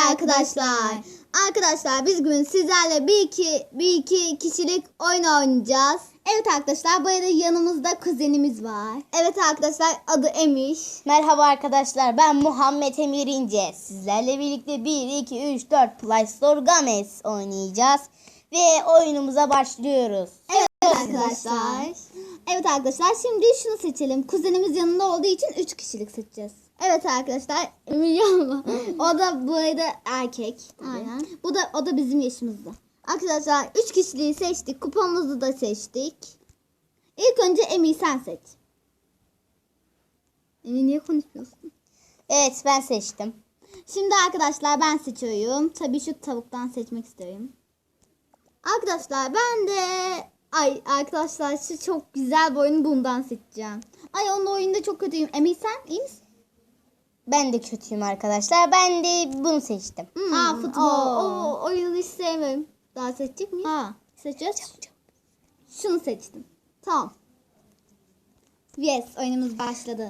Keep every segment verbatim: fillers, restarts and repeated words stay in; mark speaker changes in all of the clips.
Speaker 1: arkadaşlar. Arkadaşlar biz bugün sizlerle bir iki, bir iki kişilik oyun oynayacağız. Evet arkadaşlar, bu arada yanımızda kuzenimiz var. Evet arkadaşlar, adı Emir.
Speaker 2: Merhaba arkadaşlar, ben Muhammed Emir İnce. Sizlerle birlikte bir, iki, üç, dört Play Store Games oynayacağız. Ve oyunumuza başlıyoruz.
Speaker 1: Evet arkadaşlar. Evet arkadaşlar, şimdi şunu seçelim. Kuzenimiz yanında olduğu için üç kişilik seçeceğiz. Evet arkadaşlar, Emir yanma. O da bu arada erkek. Aynen. Bu da o da bizim yaşımızda. Arkadaşlar üç kişiliği seçtik. Kupamızı da seçtik. İlk önce Emir sen seç. Emir niye konuşmuyorsun?
Speaker 2: Evet, ben seçtim.
Speaker 1: Şimdi arkadaşlar ben seçiyorum. Tabii şu tavuktan seçmek istiyorum. Arkadaşlar ben de ay arkadaşlar şu çok güzel bir oyunu bundan seçeceğim. Ay onun oyunda çok kötüyüm. Emir sen iyi misin?
Speaker 2: Ben de kötüyüm arkadaşlar. Ben de bunu seçtim.
Speaker 1: Hmm. Ha futbol. O oyunu hiç sevmiyorum. Daha seçecek miyim? Ha seçeceğiz. Şunu seçtim. Tamam. Yes, oyunumuz başladı.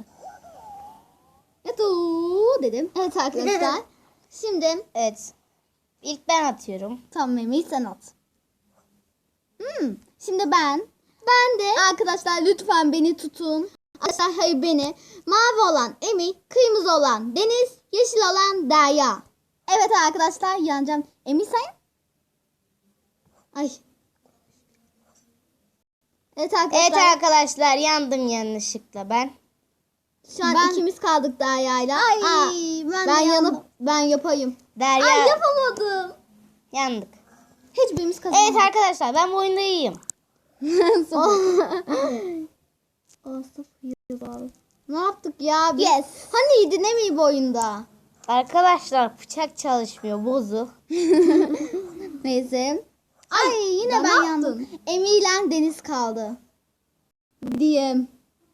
Speaker 1: Yatuu dedim. Evet arkadaşlar. Şimdi
Speaker 2: Evet. İlk ben atıyorum.
Speaker 1: tamam Emir sen at. Hmm. Şimdi ben. Ben de arkadaşlar lütfen beni tutun. Arkadaşlar hayır beni. Mavi olan Emir, kırmızı olan Deniz, yeşil olan Derya. Evet arkadaşlar yanacağım. Emir sen? Ay. Evet arkadaşlar.
Speaker 2: Evet arkadaşlar, yandım yanlışlıkla ben.
Speaker 1: Şu an
Speaker 2: Ben-
Speaker 1: ikimiz kaldık Derya'yla.
Speaker 2: Ay,
Speaker 1: Aa,
Speaker 2: ben
Speaker 1: ben
Speaker 2: de
Speaker 1: yanıp
Speaker 2: yandım.
Speaker 1: ben yapayım.
Speaker 2: Derya,
Speaker 1: Ay yapamadım.
Speaker 2: yandık.
Speaker 1: Hiçbirimiz kazanamadık.
Speaker 2: Evet arkadaşlar, ben bu oyunda iyiyim.
Speaker 1: Aa, sıfır. Ne yaptık ya biz? Yes. Haniydi ne mi bu oyunda?
Speaker 2: Arkadaşlar bıçak çalışmıyor, bozuk.
Speaker 1: Neyse. Ay, yine
Speaker 2: ya
Speaker 1: ben
Speaker 2: ne
Speaker 1: yandım. Emi ile Deniz kaldı. Diyem.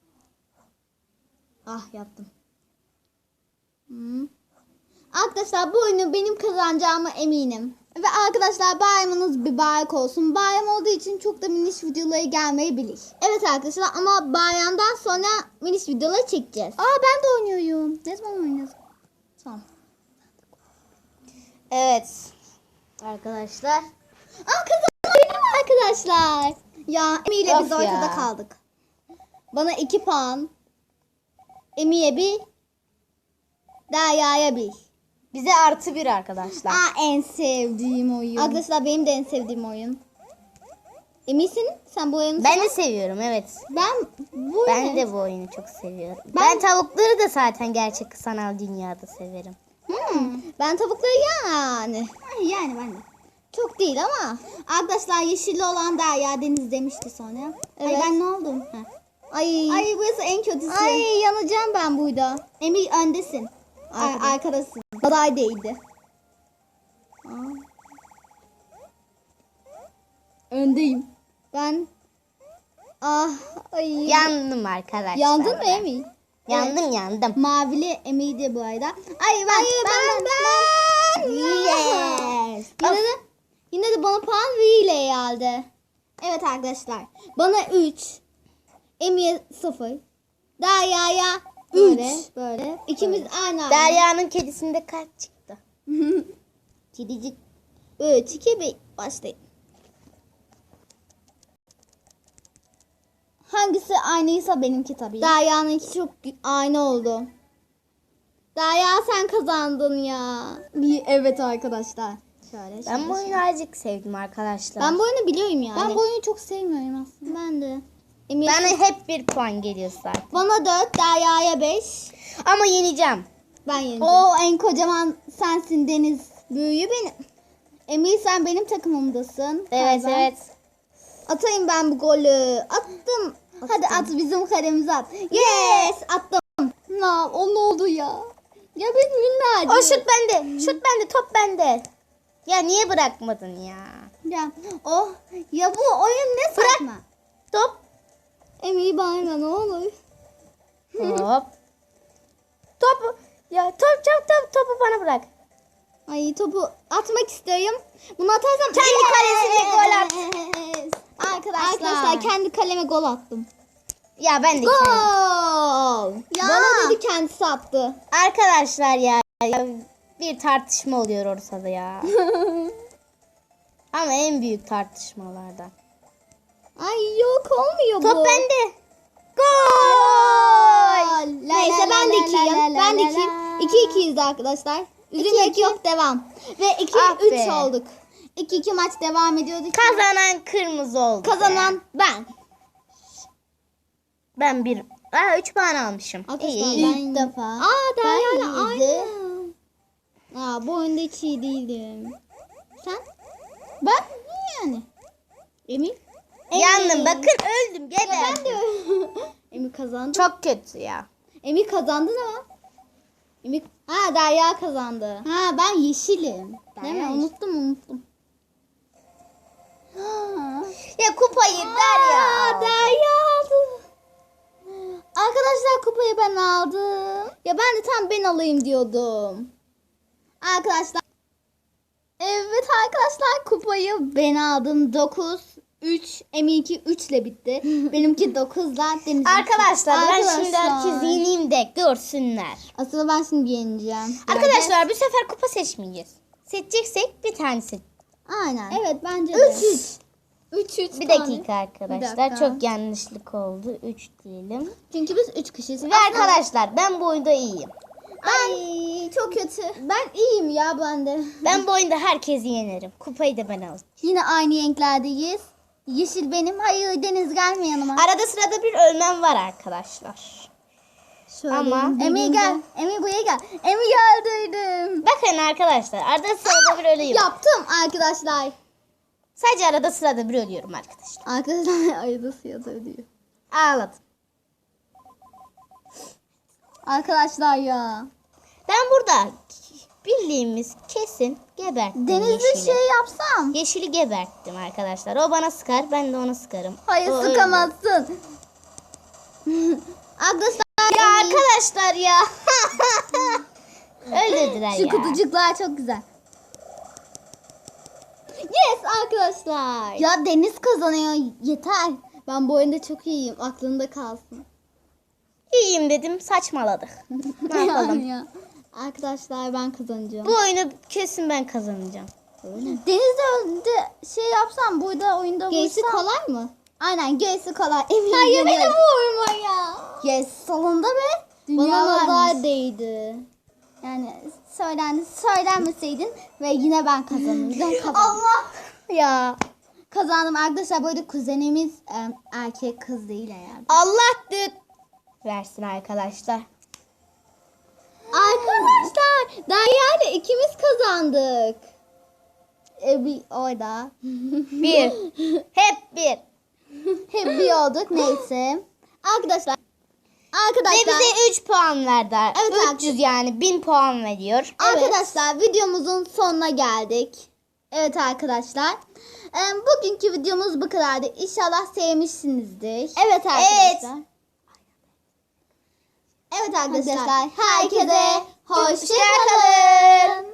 Speaker 1: Ah yaptım. Hmm. Arkadaşlar bu oyunu benim kazanacağıma eminim. Ve arkadaşlar bayramınız mübarek olsun. Bayram olduğu için çok da miniş videoları gelmeyebilir. Evet arkadaşlar ama bayramdan sonra miniş videoları çekeceğiz. Aa ben de oynuyorum. Ne zaman oynuyoruz? Tamam.
Speaker 2: Evet. Arkadaşlar.
Speaker 1: Aa kazandım arkadaşlar. Ya Emi ile biz
Speaker 2: Of
Speaker 1: ortada
Speaker 2: ya.
Speaker 1: kaldık. Bana iki puan. Emi'ye bir. Derya'ya bir.
Speaker 2: Bize artı bir arkadaşlar.
Speaker 1: Aa en sevdiğim oyun. Arkadaşlar benim de en sevdiğim oyun. Eminsin? Sen bu oyunu
Speaker 2: Ben
Speaker 1: sever-
Speaker 2: de seviyorum, evet.
Speaker 1: Ben bu
Speaker 2: Ben
Speaker 1: oyunu-
Speaker 2: de bu oyunu çok seviyorum.
Speaker 1: Ben-
Speaker 2: Ben, tavukları da zaten gerçek sanal dünyada severim.
Speaker 1: Hmm, ben tavukları yani. Ay, yani ben de. Çok değil ama. Arkadaşlar yeşilli olan Derya Deniz demişti sonra.
Speaker 2: Evet.
Speaker 1: Ay ben ne oldum? Heh. Ay. Ay burası en kötüsü. Ay yanacağım ben burada. Emir öndesin. Ay, arkadasın. Aday değildi. Aa. Öndeyim. Ben ah ay.
Speaker 2: Yandım arkadaşlar.
Speaker 1: Yandın mı
Speaker 2: ben.
Speaker 1: Emir?
Speaker 2: Yandım yandım.
Speaker 1: Mavili Emir'di bu arada. Ay ben ben ben. ben.
Speaker 2: Yes.
Speaker 1: Yine de, yine de bana puan V ile geldi. Evet arkadaşlar. Bana üç. Emir'e sıfır. Derya'ya üç. Böyle. Böyle. İkimiz aynı aynı.
Speaker 2: Derya'nın kedisinde kaç çıktı?
Speaker 1: Kedicik. üç, iki, bir. Başlayın. Hangisi aynıysa benimki tabii. Derya'nınki çok aynı oldu. Derya sen kazandın ya. Bir- Evet arkadaşlar. Şöyle,
Speaker 2: Ben
Speaker 1: şöyle,
Speaker 2: bu oyunu azıcık sevdim arkadaşlar.
Speaker 1: Ben bu oyunu biliyorum yani. Ben bu oyunu çok sevmiyorum aslında. Ben de. Emir,
Speaker 2: Bana hep bir puan geliyor zaten.
Speaker 1: bana dört, Derya'ya beş.
Speaker 2: Ama yeneceğim.
Speaker 1: Ben yeneceğim. O en kocaman sensin Deniz. Büyüğü benim. Emir sen benim takımımdasın.
Speaker 2: Evet
Speaker 1: Galiba.
Speaker 2: evet.
Speaker 1: Atayım ben bu golü. Attım. Hadi at bizim kalemize at. Yes attım. Na, o ne oldu ya? Ya biz minnacık.
Speaker 2: O şut bende. Şut bende. Top bende. Ya niye bırakmadın ya?
Speaker 1: Ya, oh, ya bu oyun ne saçma.
Speaker 2: Top.
Speaker 1: Emir bana ne olur.
Speaker 2: Top. Top. Ya top top top topu bana bırak.
Speaker 1: Ay topu atmak istiyorum. Bunu atarsam
Speaker 2: Kendi kalesine gol at.
Speaker 1: Arkadaşlar. Arkadaşlar kendi kaleme gol attım.
Speaker 2: Ya ben de kendim.
Speaker 1: Gol.
Speaker 2: Ya.
Speaker 1: Bana dedi kendisi attı.
Speaker 2: Arkadaşlar ya, ya bir tartışma oluyor ortada ya. Ama en büyük tartışmalardan.
Speaker 1: Ay yok olmuyor bu.
Speaker 2: Top bende. Gol!
Speaker 1: Neyse ben de ikiyim. Ben de ikiyim. iki ikiyiz arkadaşlar. Üzülmek yok, devam. Ve iki
Speaker 2: Ah
Speaker 1: üç
Speaker 2: be.
Speaker 1: olduk. iki iki maç devam ediyordu.
Speaker 2: Kazanan kırmızı oldu.
Speaker 1: Kazanan ben.
Speaker 2: Ben bir. Aa, üç puan almışım.
Speaker 1: Arkadaşlar
Speaker 2: İyi.
Speaker 1: ben
Speaker 2: İyi.
Speaker 1: ilk defa. Aa Derya'yla
Speaker 2: Ben
Speaker 1: aynı. Aa bu oyunda hiç iyi değilim. Sen? Ben iyi yani. Emin?
Speaker 2: Yandım, bakın öldüm.
Speaker 1: Ya ben
Speaker 2: Geberdim.
Speaker 1: de. Emi kazandı.
Speaker 2: Çok kötü ya.
Speaker 1: Emi kazandı ama. Emi... Ha Derya kazandı. Ha ben yeşilim. Değil mi?
Speaker 2: Derya
Speaker 1: Unuttum unuttum.
Speaker 2: Ya kupayı Derya.
Speaker 1: Aa, Derya aldı. Arkadaşlar kupayı ben aldım. Ya ben de tam ben alayım diyordum. Arkadaşlar. Evet arkadaşlar kupayı ben aldım. dokuz üç. Eminki üç ile bitti. Benimki dokuzla. Deniz'in
Speaker 2: Arkadaşlar ben
Speaker 1: Arkadaşlar.
Speaker 2: şimdi herkes yeneyim de görsünler.
Speaker 1: Aslında ben şimdi yeneceğim.
Speaker 2: Arkadaşlar bu sefer kupa seçmeyeceğiz. Seçeceksek bir tane seç.
Speaker 1: Aynen. Evet bence de. üç üç. üç üç
Speaker 2: Bir
Speaker 1: tane.
Speaker 2: dakika arkadaşlar.
Speaker 1: Bir dakika.
Speaker 2: Çok yanlışlık oldu. üç diyelim.
Speaker 1: Çünkü biz üç kişiyiz.
Speaker 2: Ve
Speaker 1: Aslında-
Speaker 2: arkadaşlar ben bu oyunda iyiyim.
Speaker 1: Ay çok kötü. Ben iyiyim ya ben de.
Speaker 2: Ben bu oyunda herkesi yenerim. Kupayı da ben alacağım.
Speaker 1: Yine aynı renklerdeyiz. Yeşil benim. Hayır Deniz gelme yanıma.
Speaker 2: Arada sırada bir ölmem var arkadaşlar.
Speaker 1: Şöyle
Speaker 2: Ama-
Speaker 1: Emi gel. Emi buraya gel. Emi geldiydim.
Speaker 2: Bakın arkadaşlar arada sırada bir ölüyorum.
Speaker 1: Yaptım arkadaşlar.
Speaker 2: Sadece arada sırada bir ölüyorum arkadaşlar.
Speaker 1: Arkadaşlar ayıda suya diyor.
Speaker 2: Ağladım.
Speaker 1: Arkadaşlar ya.
Speaker 2: Ben burada bildiğimiz kesin geberttim
Speaker 1: Denizli
Speaker 2: yeşili.
Speaker 1: şey yapsam.
Speaker 2: Yeşili geberttim arkadaşlar. O bana sıkar, ben de ona sıkarım.
Speaker 1: Hayır
Speaker 2: O öldü.
Speaker 1: sıkamazsın. Arkadaşlar
Speaker 2: Ya
Speaker 1: Emi-
Speaker 2: arkadaşlar ya. Öldürdüler
Speaker 1: Şu
Speaker 2: ya.
Speaker 1: kutucuklar çok güzel. Yes arkadaşlar. Ya Deniz kazanıyor. Yeter. Ben bu oyunda çok iyiyim. Aklında kalsın.
Speaker 2: İyiyim dedim, saçmaladık. Ne yapalım?
Speaker 1: Ya. Arkadaşlar ben kazanacağım.
Speaker 2: Bu oyunu kesin ben kazanacağım.
Speaker 1: Denizde de şey yapsam burada oyunda
Speaker 2: Gerisi
Speaker 1: vursam.
Speaker 2: kolay mı?
Speaker 1: Aynen gerisi kolay. Eminim.
Speaker 2: Hayır, beni
Speaker 1: vurma ya. Yes sonunda be. Bana
Speaker 2: Dünyalar
Speaker 1: nazar değdi. Yani söylendi, söylenmeseydin ve yine ben kazanırdım. Kazandım.
Speaker 2: Allah ya.
Speaker 1: Kazandım arkadaşlar. Bu arada kuzenimiz e, erkek kız değil eğer.
Speaker 2: Allah düt versin arkadaşlar.
Speaker 1: Arkadaşlar Derya ile ikimiz kazandık. E, bir orada.
Speaker 2: Bir. Hep bir.
Speaker 1: Hep bir olduk neyse. Arkadaşlar.
Speaker 2: Ve
Speaker 1: Arkadaşlar.
Speaker 2: bize üç puan verdi.
Speaker 1: Evet,
Speaker 2: üç yüz yani bin puan veriyor.
Speaker 1: Arkadaşlar videomuzun sonuna geldik. Evet arkadaşlar. E, bugünkü videomuz bu kadardı. İnşallah sevmişsinizdir. Evet arkadaşlar.
Speaker 2: Evet.
Speaker 1: Evet arkadaşlar. Herkese hoşça
Speaker 2: Hoşça kalın.
Speaker 1: kalın.